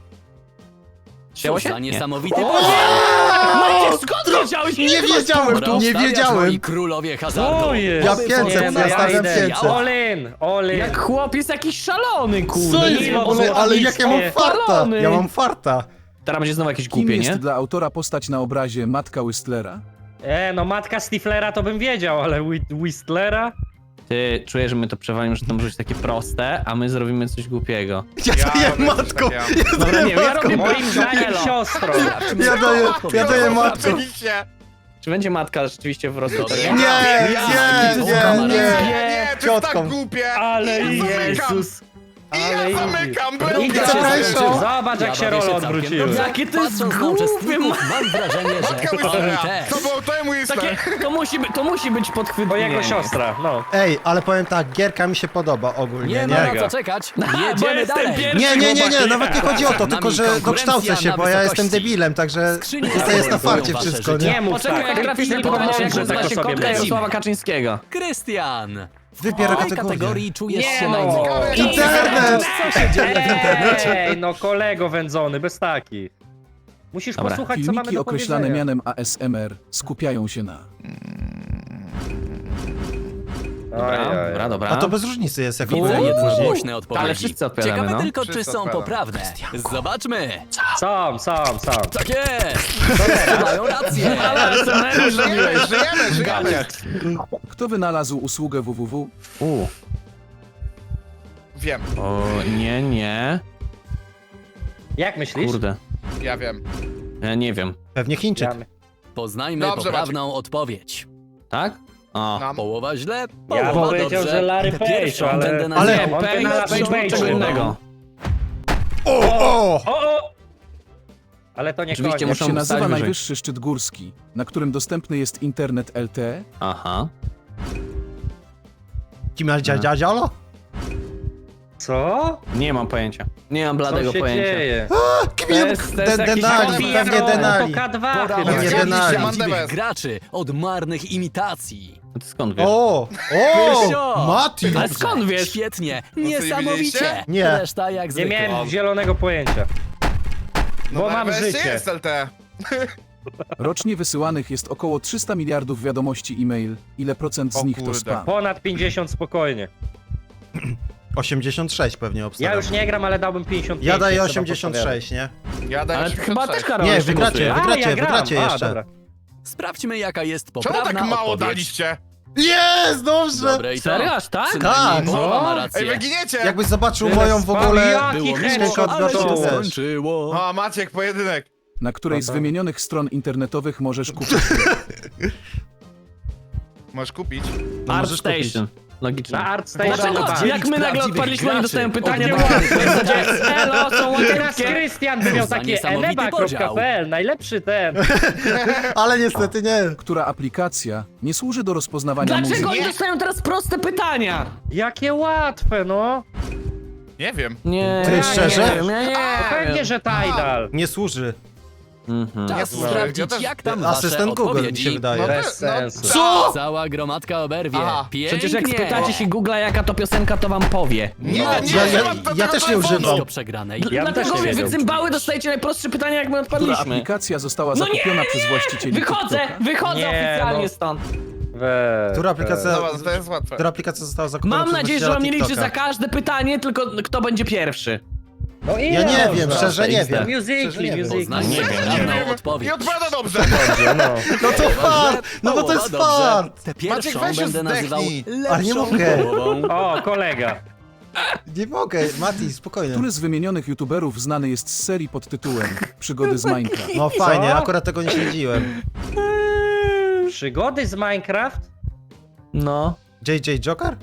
Speaker 4: Chciało
Speaker 2: Co
Speaker 4: się?
Speaker 2: za
Speaker 4: Nie.
Speaker 2: niesamowity
Speaker 1: O!
Speaker 2: podział.
Speaker 4: Maciek, skąd wiedziałeś?
Speaker 1: Nie wiedziałem,
Speaker 2: Pora
Speaker 1: nie
Speaker 2: obstawiać,
Speaker 1: wiedziałem.
Speaker 2: moi królowie hazardu.
Speaker 6: O jest.
Speaker 1: Ja
Speaker 2: Oby
Speaker 1: 500,
Speaker 2: fortuna
Speaker 1: ja
Speaker 2: wam
Speaker 1: stawiam
Speaker 6: idę.
Speaker 1: 500.
Speaker 2: sprzyjała.
Speaker 6: All in, all in.
Speaker 4: Jak chłop jest jakiś szalony, kurde.
Speaker 1: Co jest
Speaker 4: Nie
Speaker 1: w
Speaker 4: wiem,
Speaker 1: ogóle?
Speaker 4: o co
Speaker 1: Ale
Speaker 4: chodzi.
Speaker 1: jak ja mam farta?
Speaker 4: Palony.
Speaker 1: Ja mam farta.
Speaker 4: Teraz będzie znowu jakieś
Speaker 3: Kim
Speaker 4: głupie,
Speaker 3: jest
Speaker 4: nie?
Speaker 3: dla autora postać na obrazie Matka Whistlera?
Speaker 6: No matka Stiflera to bym wiedział, ale Whistlera?
Speaker 4: Ty czujesz, że my to przewalimy, że to może być takie proste, a my zrobimy coś głupiego.
Speaker 1: Ja daję
Speaker 5: robię coś
Speaker 1: matką.
Speaker 5: takiego.
Speaker 4: Dobra, nie, ja robię
Speaker 6: Moim zdaniem
Speaker 4: Elo.
Speaker 6: siostrą.
Speaker 1: Ja daję matką.
Speaker 5: Oczywiście.
Speaker 4: Czy będzie matka rzeczywiście w rozwoju?
Speaker 2: Dobra.
Speaker 1: Nie, nie, nie, nie.
Speaker 5: Nie, to jest tak
Speaker 1: Ciotką.
Speaker 5: głupie.
Speaker 6: Ale
Speaker 5: I ja zamykam.
Speaker 6: Jezus.
Speaker 5: I
Speaker 6: Ale
Speaker 5: ja zamykam,
Speaker 6: Idź
Speaker 5: będę
Speaker 6: za
Speaker 1: Zapraszam.
Speaker 6: Zobacz jak się
Speaker 2: bawię
Speaker 6: role
Speaker 2: całkiem
Speaker 6: odwróciły.
Speaker 2: dobrze.
Speaker 4: Jakie to jest
Speaker 2: Patrząc na
Speaker 4: głupie,
Speaker 2: uczestników, mam wrażenie, że oni
Speaker 5: Kamera.
Speaker 2: też.
Speaker 5: To był to mój
Speaker 4: Takie, to musi być
Speaker 6: Bo
Speaker 4: podchwytliwe.
Speaker 6: jego siostra, no.
Speaker 1: Ej, ale powiem tak, gierka mi się podoba ogólnie,
Speaker 2: Nie ma
Speaker 1: nie?
Speaker 2: na co czekać.
Speaker 4: Bo
Speaker 2: Jedziemy
Speaker 4: jestem
Speaker 2: dalej.
Speaker 4: pierwszy.
Speaker 1: Nie, nawet nie chodzi o to,
Speaker 2: Przed
Speaker 1: tylko
Speaker 2: nami
Speaker 1: że
Speaker 2: konkurencja
Speaker 1: dokształcę się,
Speaker 2: na
Speaker 1: bo ja jestem
Speaker 2: wysokości.
Speaker 1: debilem, także
Speaker 2: Skrzynie
Speaker 1: to jest na
Speaker 2: zajmują
Speaker 1: farcie
Speaker 2: wasze
Speaker 1: wszystko,
Speaker 2: życie.
Speaker 1: nie?
Speaker 6: Nie mów
Speaker 4: Poczekaj,
Speaker 6: tak.
Speaker 4: jak trafisz na
Speaker 6: Tylko
Speaker 4: podanie,
Speaker 6: mądrze
Speaker 4: że
Speaker 6: tak o
Speaker 4: zna się
Speaker 6: sobie
Speaker 4: kotka
Speaker 6: myśl.
Speaker 4: Jarosława Kaczyńskiego.
Speaker 2: Krystian.
Speaker 1: Wybiera
Speaker 2: W tej
Speaker 1: kategorię.
Speaker 2: kategorii czujesz
Speaker 6: Nie
Speaker 2: się
Speaker 6: no.
Speaker 2: najmniej.
Speaker 1: Internet!
Speaker 2: Co się dzieje w internecie?
Speaker 6: Ej, no kolego wędzony, bez takich. Musisz
Speaker 4: Dobra.
Speaker 6: posłuchać, co mamy
Speaker 3: Filmiki
Speaker 6: do
Speaker 3: określane
Speaker 6: powiedzenia.
Speaker 3: mianem ASMR skupiają się na...
Speaker 4: Dobra.
Speaker 1: A to bez różnicy jest, jak
Speaker 2: Widzę
Speaker 1: było.
Speaker 2: jednogłośne odpowiedzi.
Speaker 4: Ale wszyscy odpowiadamy,
Speaker 2: Ciekawe
Speaker 4: no.
Speaker 2: tylko, czy
Speaker 5: Wszyscy
Speaker 2: są
Speaker 5: odpowiadamy.
Speaker 2: poprawne. Zobaczmy.
Speaker 6: Sam.
Speaker 2: Tak jest. Mają rację.
Speaker 4: Ale co najmniej
Speaker 5: Żyjemy.
Speaker 3: Kto wynalazł usługę www?
Speaker 5: Wiem,
Speaker 4: O, nie.
Speaker 6: Jak myślisz?
Speaker 4: Kurde.
Speaker 5: ja wiem.
Speaker 4: Ja nie wiem.
Speaker 1: Pewnie Chińczyk.
Speaker 2: Poznajmy
Speaker 5: Dobrze,
Speaker 2: poprawną odpowiedź.
Speaker 4: Tak? O.
Speaker 5: Nam.
Speaker 2: Połowa źle,
Speaker 6: Ja
Speaker 2: połowa
Speaker 6: bym powiedział,
Speaker 2: dobrze.
Speaker 6: że Larry Page,
Speaker 2: Pierwszą
Speaker 6: ale...
Speaker 2: będę
Speaker 1: Ale-
Speaker 2: nazywał.
Speaker 6: on wynalazł
Speaker 4: Page
Speaker 6: Page'u.
Speaker 4: czego innego.
Speaker 1: O!
Speaker 6: O! Ale to nie
Speaker 4: Oczywiście
Speaker 6: koniec.
Speaker 3: Jak
Speaker 4: muszą
Speaker 3: się nazywa
Speaker 4: wstać wyżej.
Speaker 3: najwyższy szczyt górski, na którym dostępny jest internet LTE?
Speaker 4: Aha.
Speaker 1: Dziadzialo?
Speaker 6: Co?
Speaker 4: Nie mam pojęcia. Nie mam
Speaker 6: Co
Speaker 4: bladego
Speaker 6: się
Speaker 4: pojęcia.
Speaker 6: dzieje?
Speaker 4: To jest jakiś
Speaker 1: Denali, pewnie
Speaker 6: To
Speaker 1: Denali.
Speaker 6: K2
Speaker 2: Pora
Speaker 6: chyba.
Speaker 1: Nie
Speaker 2: oddzielić
Speaker 1: Denali.
Speaker 2: prawdziwych graczy od marnych imitacji.
Speaker 4: Ty skąd wiesz?
Speaker 1: O!
Speaker 2: Pysio!
Speaker 1: O! Mati!
Speaker 4: Ale
Speaker 2: Dobrze,
Speaker 4: skąd wiesz?
Speaker 2: Świetnie,
Speaker 5: nie
Speaker 2: niesamowicie.
Speaker 5: widzieliście?
Speaker 1: Nie.
Speaker 2: Reszta jak
Speaker 6: Nie
Speaker 2: zwykle.
Speaker 6: miałem zielonego pojęcia. Bo mam
Speaker 5: najwyższy
Speaker 6: życie.
Speaker 5: jest LT.
Speaker 3: Rocznie wysyłanych jest około 300 miliardów wiadomości e-mail. Ile procent z
Speaker 5: O
Speaker 3: nich to
Speaker 5: kurde.
Speaker 3: spam?
Speaker 6: Ponad 50 spokojnie.
Speaker 1: 86 pewnie
Speaker 6: Ja
Speaker 1: obstawiam.
Speaker 6: już nie gram, ale dałbym 55.
Speaker 1: Ja daję
Speaker 6: jak trzeba
Speaker 1: 86, nie?
Speaker 5: Ja daję
Speaker 4: Ale chyba
Speaker 5: 86.
Speaker 4: też Karol
Speaker 1: Nie,
Speaker 4: jeszcze
Speaker 1: wygracie,
Speaker 4: głosuje.
Speaker 6: podpowiadać.
Speaker 1: wygracie
Speaker 6: Ja gram.
Speaker 1: jeszcze.
Speaker 6: Dobra.
Speaker 2: Sprawdźmy, jaka jest
Speaker 5: Czemu
Speaker 2: poprawna
Speaker 5: tak mało
Speaker 2: odpowiedź.
Speaker 5: daliście?
Speaker 1: Jest, dobrze!
Speaker 2: Dobre i to.
Speaker 4: Serio, aż tak?
Speaker 2: Przynajmniej
Speaker 1: Tak.
Speaker 2: połowa ma
Speaker 6: No.
Speaker 5: Ej,
Speaker 2: rację.
Speaker 5: wy giniecie!
Speaker 1: Jakbyś zobaczył
Speaker 6: Tyle
Speaker 1: moją w ogóle...
Speaker 6: spam, jaki
Speaker 2: Było
Speaker 6: headshot
Speaker 2: miło, ale się
Speaker 1: to też.
Speaker 2: skończyło.
Speaker 5: O, Maciek, pojedynek.
Speaker 3: na której z wymienionych stron internetowych możesz kupić
Speaker 5: Możesz kupić.
Speaker 1: No,
Speaker 4: Art
Speaker 1: możesz kupić.
Speaker 4: Station. Logicznie.
Speaker 6: Na ArtStation.
Speaker 4: Dlaczego?
Speaker 6: Dlaczego?
Speaker 4: Jak my nagle
Speaker 2: prawdziwych
Speaker 4: odpaliśmy, oni
Speaker 2: graczy.
Speaker 4: dostają pytania, to
Speaker 6: Oddziałamy.
Speaker 4: w zasadzie elo, są
Speaker 6: Teraz
Speaker 4: łagiewskie.
Speaker 6: Krystian by miał
Speaker 2: Za
Speaker 6: takie
Speaker 2: niesamowity
Speaker 6: eneba.pl, najlepszy ten.
Speaker 1: Ale niestety nie.
Speaker 3: która aplikacja nie służy do rozpoznawania
Speaker 4: Dlaczego
Speaker 3: muzyki.
Speaker 4: oni dostają teraz proste pytania?
Speaker 6: Jakie łatwe, no.
Speaker 5: Nie wiem.
Speaker 4: Nie,
Speaker 1: Ty, szczerze?
Speaker 4: Nie, wiem, ja nie
Speaker 6: Pewnie,
Speaker 4: wiem.
Speaker 6: że Tidal.
Speaker 1: Nie służy.
Speaker 2: Czas
Speaker 5: słuchaj,
Speaker 2: sprawdzić,
Speaker 5: ja też-
Speaker 2: jak tam wasze
Speaker 1: Asystent Google mi się
Speaker 2: odpowiedzi.
Speaker 1: wydaje.
Speaker 6: Bez sensu.
Speaker 1: Co?
Speaker 2: Cała gromadka oberwie.
Speaker 5: Aha.
Speaker 2: Pięknie.
Speaker 4: Przecież jak spytacie się Google'a, jaka to piosenka, to wam powie.
Speaker 5: Nie,
Speaker 1: Ja-
Speaker 5: nie,
Speaker 1: ja-
Speaker 5: używam
Speaker 1: ja też nie
Speaker 5: telefonu.
Speaker 1: używam.
Speaker 2: Blisko przegranej.
Speaker 6: Ja bym też
Speaker 4: Dlatego
Speaker 6: nie
Speaker 4: wy
Speaker 6: wiedział.
Speaker 4: cymbały dostajecie najprostsze pytania, jak my
Speaker 3: Która
Speaker 4: odpadliśmy.
Speaker 3: aplikacja została
Speaker 4: No nie,
Speaker 3: zakupiona przez właścicieli
Speaker 4: Wychodzę,
Speaker 3: TikToka.
Speaker 4: wychodzę
Speaker 6: Nie,
Speaker 4: oficjalnie
Speaker 6: no.
Speaker 4: stąd.
Speaker 1: Która aplikacja...
Speaker 5: Dobra, to jest łatwe.
Speaker 1: Która aplikacja została zakupiona
Speaker 4: Mam
Speaker 1: przez
Speaker 4: nadzieję, że
Speaker 1: właściciela
Speaker 4: on nie liczy za
Speaker 1: TikToka?
Speaker 4: każde pytanie, tylko kto będzie pierwszy.
Speaker 6: No ile
Speaker 1: Ja nie
Speaker 6: można?
Speaker 1: wiem, szczerze nie wiem.
Speaker 6: Musically,
Speaker 1: wiem.
Speaker 6: musically.
Speaker 2: Poznajcie poprawną odpowiedź.
Speaker 5: Nie odpowiada dobrze.
Speaker 6: Dobrze, no.
Speaker 1: No to fart! No bo to jest
Speaker 2: Połowa
Speaker 1: fart!
Speaker 2: dobrze. Tę
Speaker 5: Maciek,
Speaker 2: pierwszą
Speaker 5: weź już
Speaker 2: będę nazywał
Speaker 5: zdechnij.
Speaker 1: Ale nie
Speaker 2: lepszą
Speaker 1: mogę.
Speaker 2: połową.
Speaker 6: O, kolega.
Speaker 1: Nie mogę, Mati, spokojnie.
Speaker 3: Który z wymienionych youtuberów znany jest z serii pod tytułem Przygody z Minecraft?
Speaker 1: No fajnie,
Speaker 6: Co?
Speaker 1: akurat tego nie śledziłem.
Speaker 6: Przygody z Minecraft?
Speaker 4: No.
Speaker 1: JJ Joker?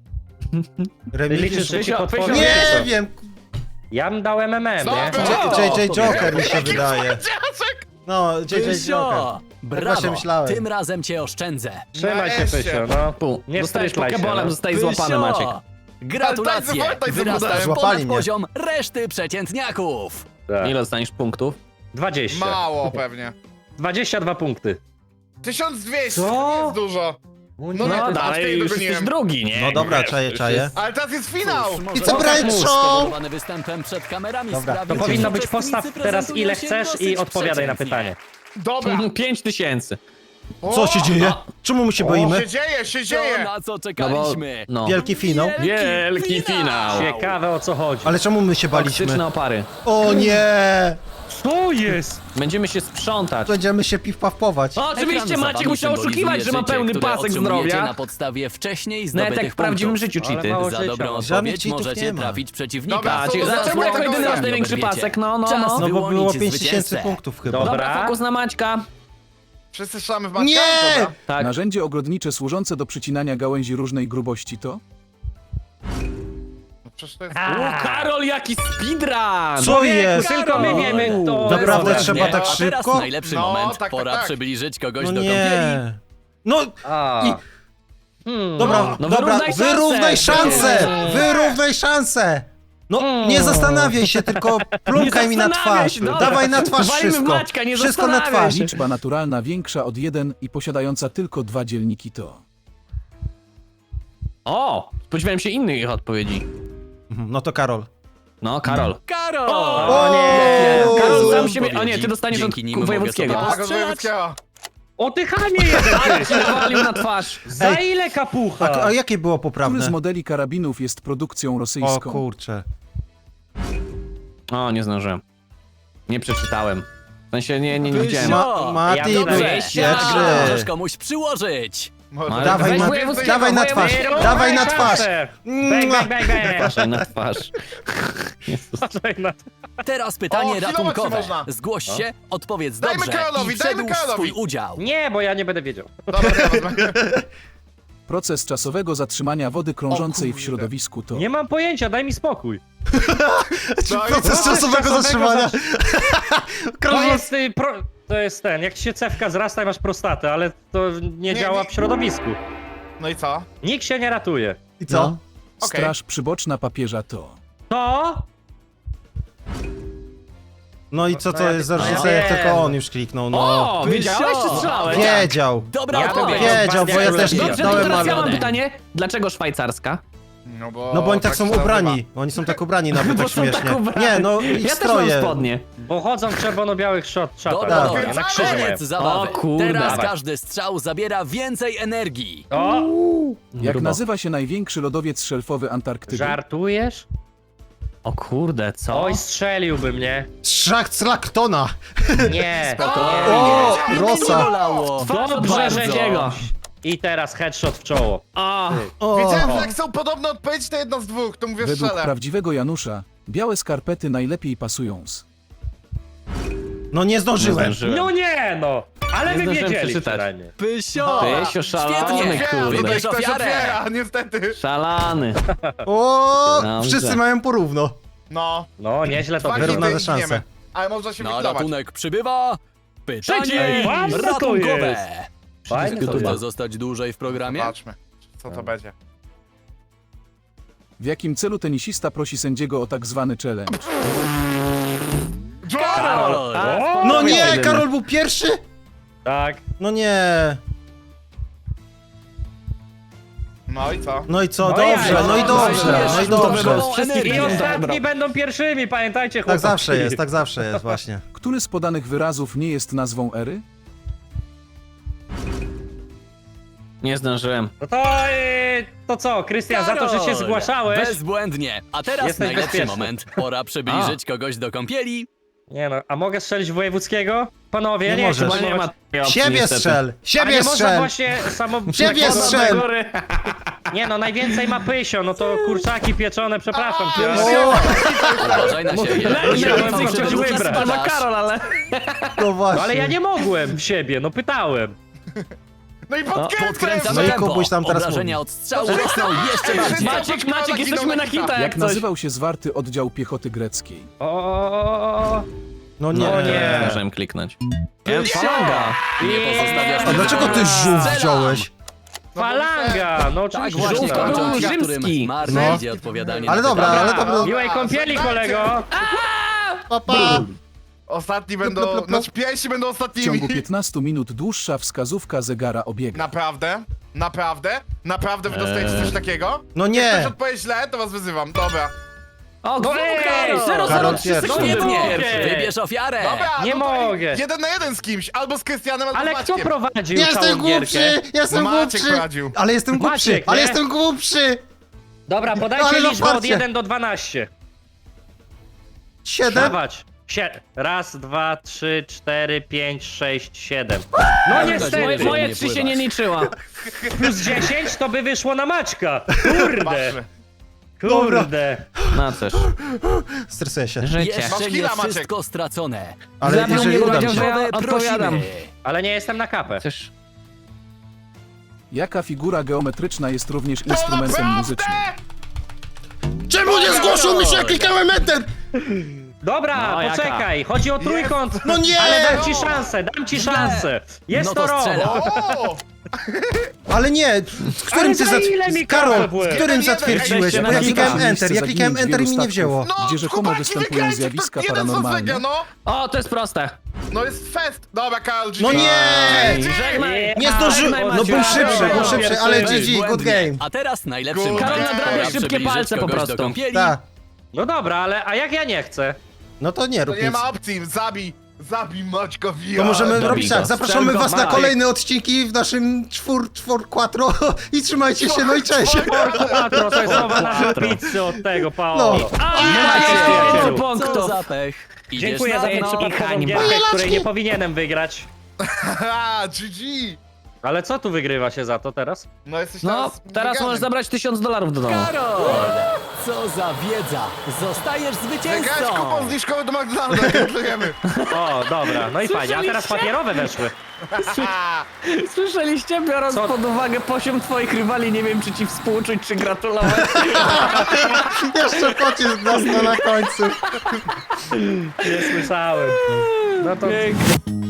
Speaker 6: Ty
Speaker 1: Remigiusz?
Speaker 6: liczysz, że ci
Speaker 4: Pysio,
Speaker 6: podpowiem?
Speaker 1: Nie
Speaker 6: Co?
Speaker 1: wiem!
Speaker 6: Ja bym dał MMM,
Speaker 5: Co?
Speaker 6: nie?
Speaker 1: JJ Joker mi się wydaje.
Speaker 5: Dziadek!
Speaker 1: No, JJ Joker.
Speaker 2: Pysio!
Speaker 1: właśnie
Speaker 2: Brawo!
Speaker 1: myślałem.
Speaker 2: Tym razem cię oszczędzę.
Speaker 6: Trzymaj się,
Speaker 5: Nareszcie.
Speaker 6: Pysio, no.
Speaker 4: Pu.
Speaker 6: Nie
Speaker 4: Dostajesz
Speaker 6: wstrychlaj się,
Speaker 4: pokebolem,
Speaker 6: no.
Speaker 4: zostajesz złapany, Maciek.
Speaker 2: Gratulacje!
Speaker 5: Ale tak
Speaker 2: Wyrastasz
Speaker 1: Złapali
Speaker 2: ponad
Speaker 1: mnie.
Speaker 2: poziom reszty przeciętniaków.
Speaker 6: Tak.
Speaker 4: Ile dostaniesz punktów?
Speaker 6: 20.
Speaker 5: Mało pewnie.
Speaker 6: 22 punkty.
Speaker 5: 1200,
Speaker 6: Co?
Speaker 5: nie jest dużo.
Speaker 6: No
Speaker 5: No
Speaker 6: nie,
Speaker 5: nie,
Speaker 4: No
Speaker 5: aż
Speaker 4: dalej,
Speaker 5: tej
Speaker 4: już
Speaker 5: dogoniłem.
Speaker 4: jesteś drugi, nie?
Speaker 1: No dobra,
Speaker 4: Wiesz,
Speaker 1: czaję,
Speaker 4: już
Speaker 1: czaję.
Speaker 4: jest-
Speaker 5: Ale teraz jest finał!
Speaker 1: I co Brian Show?
Speaker 2: Spowodowany występem przed kamerami
Speaker 1: Dobra,
Speaker 2: sprawił,
Speaker 6: To powinno
Speaker 2: że
Speaker 6: być postaw
Speaker 2: uczestnicy
Speaker 6: teraz ile
Speaker 2: prezentują się
Speaker 6: chcesz i
Speaker 2: dosyć
Speaker 6: odpowiadaj na
Speaker 2: przeciętnie.
Speaker 6: pytanie.
Speaker 5: Dobra.
Speaker 4: 5000.
Speaker 1: Co się dzieje? Czemu my się boimy?
Speaker 5: Się dzieje, się
Speaker 2: To,
Speaker 5: dzieje!
Speaker 2: na co
Speaker 4: No bo,
Speaker 2: czekaliśmy.
Speaker 4: no.
Speaker 1: Wielki finał?
Speaker 4: Wielki finał.
Speaker 6: Ciekawe o co chodzi.
Speaker 1: Ale czemu my się
Speaker 4: Toksyczne
Speaker 1: baliśmy?
Speaker 4: opary.
Speaker 1: O nie!
Speaker 6: Co jest?
Speaker 4: Będziemy się sprzątać.
Speaker 1: Będziemy się piw-pawpować.
Speaker 4: O, oczywiście
Speaker 2: Ekran
Speaker 4: Maciek
Speaker 2: zabawy
Speaker 4: musiał
Speaker 2: symbolizuje
Speaker 4: oszukiwać, że ma
Speaker 2: życie,
Speaker 4: pełny
Speaker 2: które
Speaker 4: pasek
Speaker 2: otrzymujecie
Speaker 4: zdrowia.
Speaker 2: na podstawie wcześniej
Speaker 4: Nawet
Speaker 2: zdobytych
Speaker 4: jak w prawdziwym
Speaker 2: punktów.
Speaker 4: życiu
Speaker 6: Ale
Speaker 4: cheaty.
Speaker 6: mało
Speaker 2: Za
Speaker 6: życia.
Speaker 2: dobrą
Speaker 1: Żadnych
Speaker 2: odpowiedź
Speaker 1: cheatów
Speaker 2: możecie
Speaker 1: nie ma.
Speaker 2: trafić przeciwnika.
Speaker 5: Dobra,
Speaker 4: Czyli
Speaker 5: Za
Speaker 4: dlaczego jako
Speaker 5: czemu
Speaker 4: jedyny masz
Speaker 5: tak
Speaker 4: największy
Speaker 2: oberwiecie?
Speaker 4: pasek? No,
Speaker 2: Czas
Speaker 4: no.
Speaker 1: No bo było
Speaker 2: wyłonić
Speaker 1: 5000
Speaker 2: zwycięzcę.
Speaker 1: punktów chyba.
Speaker 6: Dobra.
Speaker 4: Dobra, fokus na Maćka.
Speaker 5: Wszyscy strzelamy w Maćka?
Speaker 1: Nie!
Speaker 5: Dobra.
Speaker 4: Tak.
Speaker 3: Narzędzie ogrodnicze służące do przycinania gałęzi różnej grubości to?
Speaker 5: No przecież to jest...
Speaker 4: Karol, jaki speedrun!
Speaker 1: Co jest?
Speaker 6: Tylko my wiemy to.
Speaker 1: Naprawdę
Speaker 6: Dobra,
Speaker 1: trzeba
Speaker 6: nie.
Speaker 1: tak
Speaker 2: A teraz
Speaker 1: szybko?
Speaker 2: najlepszy
Speaker 5: No,
Speaker 2: moment.
Speaker 5: tak,
Speaker 2: Pora
Speaker 5: tak.
Speaker 2: przybliżyć kogoś
Speaker 1: No
Speaker 2: do kąpieli.
Speaker 1: nie. No,
Speaker 6: A.
Speaker 1: I- dobra,
Speaker 4: No
Speaker 1: dobra,
Speaker 4: wyrównaj szansę.
Speaker 1: wyrównaj szansę! No, nie zastanawiaj się, tylko plumkaj mi na
Speaker 4: zastanawiaj
Speaker 1: twarz.
Speaker 4: się, dobra.
Speaker 1: Dawaj na twarz
Speaker 4: Walimy w
Speaker 1: wszystko.
Speaker 4: Maćka, nie
Speaker 1: Wszystko na
Speaker 4: zastanawiaj
Speaker 1: twarz.
Speaker 4: się.
Speaker 3: Liczba naturalna większa od 1 i posiadająca tylko 2 dzielniki to?
Speaker 4: O, spodziewałem się innych odpowiedzi.
Speaker 1: No to Karol.
Speaker 4: No, Karol.
Speaker 2: Karol!
Speaker 6: O nie!
Speaker 2: Jakie
Speaker 4: Karol
Speaker 2: złe
Speaker 4: sam siebie... O nie,
Speaker 2: odpowiedzi.
Speaker 4: ty dostaniesz od
Speaker 2: Dzięki nim mogę
Speaker 4: wojewódzkiego.
Speaker 2: sobie
Speaker 5: Tak, od
Speaker 2: postrzelać.
Speaker 5: wojewódzkiego.
Speaker 6: O ty chamie jeden ty!
Speaker 4: Nawalił na twarz.
Speaker 6: Za ile kapucha?
Speaker 1: A jakie było
Speaker 3: Który z
Speaker 1: poprawne?
Speaker 3: modeli karabinów jest produkcją
Speaker 1: O
Speaker 3: rosyjską?
Speaker 1: kurczę.
Speaker 4: O, nie zdążyłem. Nie przeczytałem. W sensie nie widziałem.
Speaker 2: Pysio!
Speaker 1: Mati,
Speaker 6: Ja
Speaker 2: Dobrze,
Speaker 6: Pierwszy.
Speaker 2: możesz komuś przyłożyć.
Speaker 5: Może-
Speaker 1: Dawaj,
Speaker 4: Weź
Speaker 1: ma-
Speaker 4: wojewódzkiego,
Speaker 1: dawaj na twarz,
Speaker 4: wojewódzkiego.
Speaker 1: dawaj na twarz.
Speaker 6: Bang, bang, bang, bang.
Speaker 4: Patrzaj na twarz. Jezus.
Speaker 6: Patrzaj na-
Speaker 2: Teraz pytanie
Speaker 5: O, kilometr
Speaker 2: ratunkowe.
Speaker 5: można.
Speaker 2: Zgłoś się, odpowiedz
Speaker 5: Dajmy
Speaker 2: dobrze
Speaker 5: Karolowi,
Speaker 2: i
Speaker 5: dajmy
Speaker 2: przedłuż
Speaker 5: Karolowi.
Speaker 2: swój udział.
Speaker 6: Nie, bo ja nie będę wiedział.
Speaker 5: Dobra, dobra.
Speaker 3: Proces czasowego zatrzymania wody krążącej
Speaker 5: O
Speaker 3: w
Speaker 5: kurde.
Speaker 3: środowisku to?
Speaker 6: Nie mam pojęcia, daj mi spokój.
Speaker 1: Proces czasowego zatrzymania.
Speaker 6: To jest ten, jak ci się cewka zrasta i masz prostatę, ale to nie działa w środowisku.
Speaker 5: No i co?
Speaker 6: Nikt się nie ratuje.
Speaker 1: I co?
Speaker 4: No.
Speaker 5: Okej.
Speaker 3: Straż przyboczna papieża to?
Speaker 6: To?
Speaker 1: No i co to
Speaker 5: ja-
Speaker 1: jest za
Speaker 6: no ja
Speaker 1: różnica, jak
Speaker 6: wiem.
Speaker 1: tylko on już kliknął, no.
Speaker 4: O, wiedziałeś czy strzelałeś?
Speaker 1: Wiedział.
Speaker 2: Dobra
Speaker 6: Ja
Speaker 2: odpowiedź.
Speaker 1: Wiedział, bo ja też
Speaker 4: Dobrze, to
Speaker 1: kliknąłem,
Speaker 4: teraz ja mam
Speaker 1: ale...
Speaker 4: pytanie. Dlaczego szwajcarska?
Speaker 5: No bo
Speaker 1: oni tak są
Speaker 5: się
Speaker 1: ubrani.
Speaker 5: nazywa.
Speaker 1: Oni są tak ubrani nawet
Speaker 4: Bo
Speaker 1: tak
Speaker 4: są tak
Speaker 1: śmiesznie.
Speaker 4: ubrani.
Speaker 1: Nie, no ich
Speaker 4: Ja też mam
Speaker 1: stroje.
Speaker 4: spodnie.
Speaker 6: Bo chodzą w czerwono-białych szatach.
Speaker 2: Dobra,
Speaker 1: Tak.
Speaker 6: Na krzyżu mają.
Speaker 2: koniec zabawy.
Speaker 4: O kurde.
Speaker 2: Teraz
Speaker 6: Dawaj.
Speaker 2: każdy strzał zabiera więcej energii.
Speaker 6: O,
Speaker 3: Jak
Speaker 4: Grubo.
Speaker 3: nazywa się największy lodowiec szelfowy Antarktydy?
Speaker 6: żartujesz?
Speaker 4: O kurde, co?
Speaker 6: Oj, strzeliłby mnie.
Speaker 1: Szach z Laktona.
Speaker 6: Nie.
Speaker 1: O, Rosa.
Speaker 2: Bolało.
Speaker 6: Dobrze,
Speaker 2: Bardzo.
Speaker 6: że jego. I teraz headshot w czoło.
Speaker 4: A,
Speaker 1: O,
Speaker 5: Wiedziałem, że jak są podobne odpowiedzi, to jedno z dwóch, to mówię
Speaker 3: Według
Speaker 5: strzelę.
Speaker 3: prawdziwego Janusza, białe skarpety najlepiej pasują z...
Speaker 1: no nie zdążyłem.
Speaker 6: No nie no! Ale
Speaker 4: Nie
Speaker 6: wy
Speaker 4: zdążyłem
Speaker 6: wiedzieli
Speaker 4: przeczytać.
Speaker 6: przynajmniej.
Speaker 2: Pysio.
Speaker 4: Pysio szalony,
Speaker 2: Świetnie.
Speaker 4: kurde.
Speaker 2: Wybierz
Speaker 5: Ktoś
Speaker 2: ofiarę.
Speaker 5: otwiera, niestety.
Speaker 4: Szalany.
Speaker 1: O,
Speaker 4: Dobrze.
Speaker 1: wszyscy mają porówno.
Speaker 5: No.
Speaker 6: No, nieźle to
Speaker 5: Dwa
Speaker 6: wygląda.
Speaker 1: Wyrównawe
Speaker 5: hity i
Speaker 1: szanse.
Speaker 5: giniemy. Ale można się
Speaker 2: Na
Speaker 5: wyklować.
Speaker 2: ratunek przybywa pytanie
Speaker 6: Ej, ładne to
Speaker 2: ratunkowe.
Speaker 6: jest. Fajne to
Speaker 2: Gotowe
Speaker 6: jest.
Speaker 2: zostać dłużej w programie?
Speaker 5: Zobaczmy, co to będzie.
Speaker 3: W jakim celu tenisista prosi sędziego o tak zwany challenge?
Speaker 2: Karol.
Speaker 6: O,
Speaker 1: No nie,
Speaker 4: jedyny.
Speaker 1: Karol był pierwszy?
Speaker 6: Tak.
Speaker 1: No nie.
Speaker 5: No i co?
Speaker 1: No i co,
Speaker 6: No
Speaker 1: dobrze,
Speaker 6: ja,
Speaker 1: no i
Speaker 6: no,
Speaker 1: dobrze,
Speaker 2: no,
Speaker 1: no i
Speaker 2: no,
Speaker 1: dobrze.
Speaker 2: no,
Speaker 4: Wszystkich
Speaker 6: I
Speaker 2: energię.
Speaker 6: ostatni będą pierwszymi, pamiętajcie
Speaker 1: Tak
Speaker 6: chłopaki.
Speaker 1: zawsze jest, właśnie.
Speaker 3: Który z podanych wyrazów nie jest nazwą ery?
Speaker 4: Nie zdążyłem.
Speaker 6: No to co, Krystian, za to, że się
Speaker 2: Karol,
Speaker 6: zgłaszałeś.
Speaker 2: Bezbłędnie. A teraz
Speaker 6: Jesteś
Speaker 2: najlepszy
Speaker 6: bezpieczny.
Speaker 2: moment. Pora przybliżyć kogoś do kąpieli.
Speaker 6: Nie no, a mogę strzelić w wojewódzkiego? Panowie,
Speaker 1: Nie
Speaker 6: nie
Speaker 1: możesz.
Speaker 6: chcę
Speaker 4: Chyba nie ma tej opcji,
Speaker 1: Siebie
Speaker 4: niestety.
Speaker 1: strzel!
Speaker 6: A
Speaker 1: Siebie
Speaker 6: nie można
Speaker 1: strzel!
Speaker 6: właśnie samo...
Speaker 1: Siebie
Speaker 6: tak-
Speaker 1: strzel!
Speaker 4: Do góry.
Speaker 6: Nie no, najwięcej ma pysio, no to kurczaki pieczone, przepraszam cię.
Speaker 1: O,
Speaker 2: Uważaj na siebie.
Speaker 6: Lepiej
Speaker 2: Jeżeli
Speaker 6: bym
Speaker 2: fałszywe
Speaker 6: chciał
Speaker 2: ruchy
Speaker 6: wybrać.
Speaker 4: To ma
Speaker 2: spadasz.
Speaker 4: Karol, ale...
Speaker 1: no właśnie.
Speaker 6: No ale ja nie mogłem w siebie, no pytałem.
Speaker 5: No i
Speaker 2: Podkręcamy
Speaker 5: podkręcam!
Speaker 1: No i
Speaker 2: tempo.
Speaker 1: Kubuś tam teraz
Speaker 2: Obrażenia
Speaker 1: mówi.
Speaker 2: od strzału rosną jeszcze bardziej.
Speaker 4: Maciek, jesteśmy na hita
Speaker 3: Jak
Speaker 4: jak coś.
Speaker 3: nazywał się zwarty oddział piechoty greckiej?
Speaker 6: O.
Speaker 1: No nie.
Speaker 6: No nie.
Speaker 4: Zdążyłem kliknąć. Falanga.
Speaker 2: Nie pozostawiasz
Speaker 1: A dlaczego ty żółw wziąłeś?
Speaker 6: Falanga, no
Speaker 2: Tak
Speaker 6: oczywiście.
Speaker 2: właśnie
Speaker 6: że
Speaker 4: żółwko
Speaker 6: tak.
Speaker 2: kończą ci,
Speaker 4: rzymski.
Speaker 2: którym marne
Speaker 1: No.
Speaker 2: idzie odpowiadanie
Speaker 1: Ale
Speaker 2: na
Speaker 1: dobra,
Speaker 2: pytania.
Speaker 1: ale dobra.
Speaker 6: Miłej kąpieli, kolego.
Speaker 1: Papa.
Speaker 5: Ostatni będą, znaczy pierwsi będą
Speaker 3: W
Speaker 5: ostatnimi.
Speaker 3: ciągu 15 minut dłuższa wskazówka zegara obiega.
Speaker 5: Naprawdę? Naprawdę? Naprawdę wy dostajecie coś takiego?
Speaker 1: No
Speaker 5: Jak
Speaker 1: nie.
Speaker 5: ktoś odpowie źle, to was wyzywam. Dobra.
Speaker 4: O,
Speaker 6: No ej,
Speaker 4: Karol!
Speaker 1: Karol
Speaker 4: 0,03
Speaker 1: pierwszy.
Speaker 4: sekundy był
Speaker 2: Świetnie.
Speaker 4: pierwszy.
Speaker 2: Wybierz ofiarę.
Speaker 5: Dobra,
Speaker 6: Nie
Speaker 5: no to
Speaker 6: mogę.
Speaker 5: 1 na 1 z kimś, albo z Krystianem, albo
Speaker 6: Ale
Speaker 5: z
Speaker 6: kto
Speaker 5: Maćkiem.
Speaker 6: prowadził
Speaker 1: Jestem
Speaker 6: całą gierkę?
Speaker 1: głupszy! Jestem
Speaker 5: No Maciek
Speaker 1: głupszy!
Speaker 5: prowadził.
Speaker 1: Ale jestem głupszy!
Speaker 6: Maciek,
Speaker 1: Ale
Speaker 6: nie?
Speaker 1: jestem głupszy!
Speaker 6: Dobra,
Speaker 1: Ale
Speaker 6: podajcie
Speaker 1: na
Speaker 6: liczbę od
Speaker 1: farcie.
Speaker 6: 1 do 12.
Speaker 1: 7?
Speaker 6: Dawać. Raz, dwa, trzy, cztery, pięć, sześć, 7. No niestety.
Speaker 4: Moje 3 się nie liczyła.
Speaker 6: Plus 10 to by wyszło na Maćka. Kurde.
Speaker 5: Patrzmy.
Speaker 6: Kurde.
Speaker 4: No cóż,
Speaker 1: Stresuję się.
Speaker 4: życie.
Speaker 5: Masz
Speaker 2: Jeszcze nie
Speaker 5: killa, Maciek.
Speaker 2: wszystko stracone.
Speaker 1: Ale
Speaker 4: Zabił
Speaker 1: jeżeli
Speaker 4: mnie,
Speaker 1: uda mi
Speaker 4: powiedział,
Speaker 1: się.
Speaker 4: że ja odpowiadam.
Speaker 2: prosimy.
Speaker 6: Ale nie jestem na kapę.
Speaker 4: Cóż,
Speaker 3: Jaka figura geometryczna jest również
Speaker 5: To
Speaker 3: instrumentem
Speaker 5: naprawdę?
Speaker 3: muzycznym?
Speaker 1: Czemu nie zgłosił mi się, jak klikałem enter?
Speaker 6: Dobra,
Speaker 4: No, jaka?
Speaker 6: poczekaj. Chodzi o trójkąt.
Speaker 1: No nie!
Speaker 6: Ale dam ci szansę, dam ci szansę. Jest
Speaker 2: No
Speaker 6: to
Speaker 2: to
Speaker 6: rok.
Speaker 2: strzelam.
Speaker 5: O!
Speaker 1: Ale nie! Z którym
Speaker 6: Ale
Speaker 1: ty
Speaker 6: za ile mi
Speaker 1: Karol,
Speaker 6: kapę byłem?
Speaker 1: z którym
Speaker 5: Jeden,
Speaker 1: zatwierdziłeś?
Speaker 4: jesteście
Speaker 1: Bo ja
Speaker 4: na
Speaker 1: klikałem
Speaker 3: hita.
Speaker 1: enter, ja klikałem
Speaker 3: Miejsce
Speaker 1: enter i mi nie
Speaker 3: zaginięć wielu
Speaker 1: wzięło.
Speaker 5: No,
Speaker 3: Gdzie rzekomo
Speaker 5: chłopaki,
Speaker 3: występują
Speaker 5: wygrajcie,
Speaker 3: zjawiska
Speaker 5: to jeden
Speaker 3: paranormalne.
Speaker 5: zasega, no.
Speaker 4: o, to jest proste.
Speaker 5: No jest fest. Dobra, Karol,
Speaker 1: No nie!
Speaker 4: Żegnaj.
Speaker 1: Nie zdążyłem!
Speaker 4: Żegnaj,
Speaker 1: No był
Speaker 4: Maciek.
Speaker 1: szybszy, ale GG, good
Speaker 2: Błędnie.
Speaker 1: game.
Speaker 2: A teraz najlepszy
Speaker 5: Good
Speaker 2: moment.
Speaker 5: game. Karol
Speaker 2: Pora
Speaker 4: nadrabia szybkie
Speaker 2: przybliżyć
Speaker 4: palce po
Speaker 2: kogoś
Speaker 4: prostu.
Speaker 2: do kąpieli.
Speaker 1: Tak.
Speaker 6: No dobra, ale a jak ja nie chcę?
Speaker 1: No to nie
Speaker 5: To
Speaker 1: rób
Speaker 5: nie
Speaker 1: nic.
Speaker 5: ma opcji, zabij Maćka Via.
Speaker 1: To możemy
Speaker 4: Dobij
Speaker 1: robić
Speaker 4: go.
Speaker 1: tak, zapraszamy
Speaker 6: Strzel go,
Speaker 1: was na
Speaker 6: Maciek.
Speaker 1: kolejne odcinki w naszym quattro i trzymajcie się, no i cześć!
Speaker 6: Quattro, to jest nowa nazwa pizzy od tego, Paolo.
Speaker 1: No.
Speaker 4: A,
Speaker 6: Nie
Speaker 4: macie
Speaker 6: macie
Speaker 4: 5
Speaker 6: pięciu.
Speaker 2: Co
Speaker 4: punktów.
Speaker 2: za pech. Idziesz
Speaker 6: Dziękuję
Speaker 2: na
Speaker 6: za tę
Speaker 2: dno.
Speaker 6: przypadkową
Speaker 4: hańba.
Speaker 6: gierkę,
Speaker 1: Moje
Speaker 6: której
Speaker 1: laczki.
Speaker 6: nie powinienem wygrać.
Speaker 5: Haha, GG.
Speaker 6: Ale co tu wygrywa się za to teraz?
Speaker 5: No jesteś
Speaker 4: No, teraz
Speaker 5: veganem.
Speaker 4: możesz zabrać $1000 do domu.
Speaker 2: Karol! Co za wiedza! Zostajesz
Speaker 5: Wygrać
Speaker 2: zwycięzcą!
Speaker 5: kupon zniżkowy do McDonalda, gratulujemy.
Speaker 6: O, dobra, no i fajnie, a teraz
Speaker 4: Słyszeliście?
Speaker 6: papierowe weszły.
Speaker 4: Słyszeliście, biorąc
Speaker 6: Co?
Speaker 4: pod uwagę poziom twoich rywali, nie wiem czy ci współczuć, czy gratulować.
Speaker 1: Jeszcze pocisk dostał na końcu.
Speaker 6: Nie słyszałem. No to
Speaker 4: Pięknie.